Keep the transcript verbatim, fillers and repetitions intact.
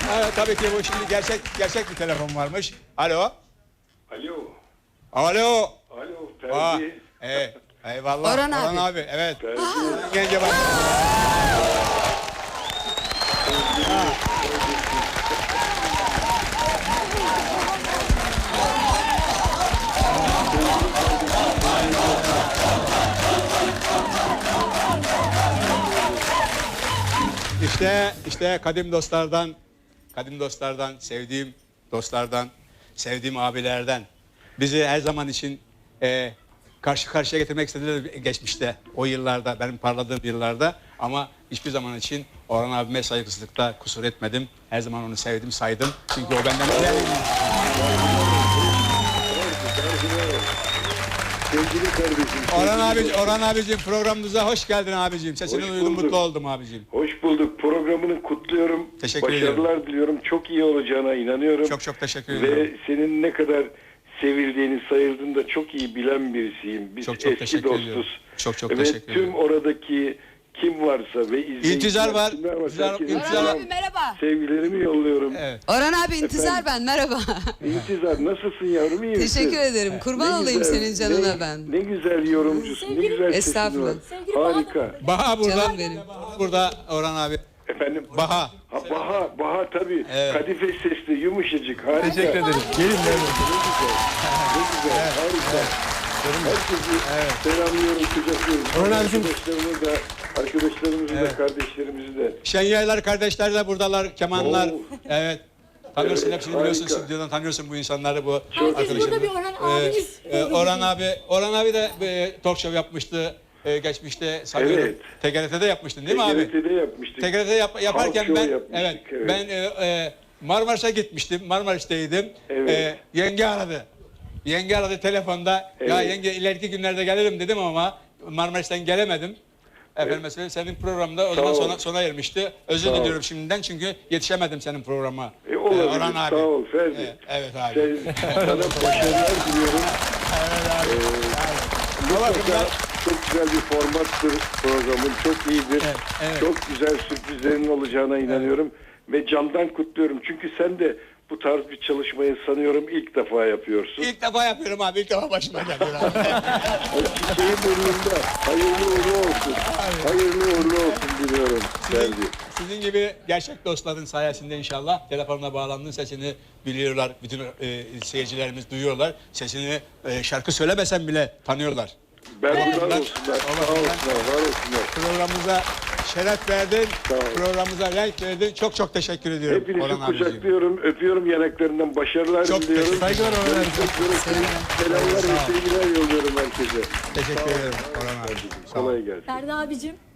Evet, tabii ki bu şimdi gerçek gerçek bir telefon varmış. Alo. Alo. Alo. Alo Aa, Ferdi. evet. Eyvallah. Orhan abi. abi. Evet. Ferdi. Gence bak. İşte işte kadim dostlardan, kadim dostlardan, sevdiğim dostlardan, sevdiğim abilerden bizi her zaman için e, karşı karşıya getirmek istediler geçmişte, o yıllarda, benim parladığım yıllarda, ama hiçbir zaman için Orhan abime saygısızlıkta kusur etmedim. Her zaman onu sevdim, saydım. Çünkü o benden değerli. Sevgili kardeşim. Orhan abi, Orhan abicim, programımıza hoş geldin abicim. Sesini Hoş duydum, bulduk. mutlu oldum abicim. Hoş bulduk. Programını kutluyorum. Teşekkür Başarılar ediyorum. diliyorum. Çok iyi olacağına inanıyorum. Çok çok teşekkür ediyorum. Ve senin ne kadar sevildiğini, sayıldığını da çok iyi bilen birisiyim. Biz Çok çok eski teşekkür dostuz. ediyorum. Çok çok ve teşekkür ediyorum. tüm oradaki kim varsa ve izleyiciler, İntizar var. kimler varsa İntizar- herkese İntizar- Orhan selam, abi merhaba. sevgilerimi yolluyorum. Evet. Orhan abi intizar ben merhaba. İntizar nasılsın yavrum, iyi misin? Teşekkür ederim. Kurban Ne olayım güzel, senin canına ne, ben. Ne güzel yorumcusun, ne güzel sesin Estağfurullah. var. Harika. Baha burada. Canım benim. Burada Orhan abi. Efendim? Baha. Ha, Baha, Baha tabii. Evet. Kadife sesli, yumuşacık, harika. Teşekkür ederim. Gelin Ne güzel, ne güzel, harika. Herkesi selamlıyorum, kucaklıyorum. Orhan abicim. Arkadaşlarımı da, arkadaşlarımızı da, kardeşlerimizi de. Şenyaylar kardeşler de buradalar. Kemanlar. Oo. Evet. Tanıyorsun, Evet, hepsini biliyorsun. harika. Stüdyodan tanıyorsun bu insanları, bu Çok arkadaşları. burada bir Orhan abimiz. Ee, e, Orhan abi, Orhan abi de e, talk show yapmıştı. E, geçmişte sanıyorum. Evet. T G R T'de yapmıştın değil mi abi? T G R T'de yapmıştık. T G R T yap, yaparken Talk show ben yapmıştık, evet, evet. ben e, e, Marmaris'e gitmiştim. Marmaris'teydim. Evet. E, yenge aradı. Yenge aradı telefonda. Ya Evet. yenge ileriki günlerde gelirim dedim ama Marmaris'ten gelemedim. Efendim mesela senin programda o zaman ol. sona, sona ermişti. Özür Sağ ol. diliyorum şimdiden çünkü yetişemedim senin programa. E, olabilir. Ee, Orhan abi. Sağ ol Ferdi. Evet, evet abi. Sen, sana başarılar diliyorum. Baba, Mutlaka bunlar- çok güzel bir formattır programın. Çok iyidir. Evet, evet. Çok güzel sürprizlerin olacağına inanıyorum. Ve candan kutluyorum. Çünkü sen de bu tarz bir çalışmayı sanıyorum ilk defa yapıyorsun. İlk defa yapıyorum abi. İlk defa başıma geliyor abi. Çiçeği burnunda. Hayırlı uğurlu olsun. Hayırlı uğurlu olsun diliyorum Ferdi. Sizin gibi gerçek dostların sayesinde inşallah telefonla bağlandığın sesini biliyorlar. Bütün e, seyircilerimiz duyuyorlar. Sesini e, şarkı söylemesen bile tanıyorlar. Ben Evet. onlar olsunlar. Sağ olsunlar. Var olsunlar. Programımıza şeref verdin. Sağ ol. Programımıza renk verdin. Çok çok teşekkür ediyorum. Hepinizi Orhan abiciğim. kucaklıyorum, öpüyorum yanaklarından, başarılar Çok diliyorum. teşekkür- saygılar Orhan abi. Görüşmek üzere. Selamlar ve sevgiler yolluyorum herkese. Teşekkür ederim Orhan abi. Sağ ol. Kolay gelsin. Ferdi abicim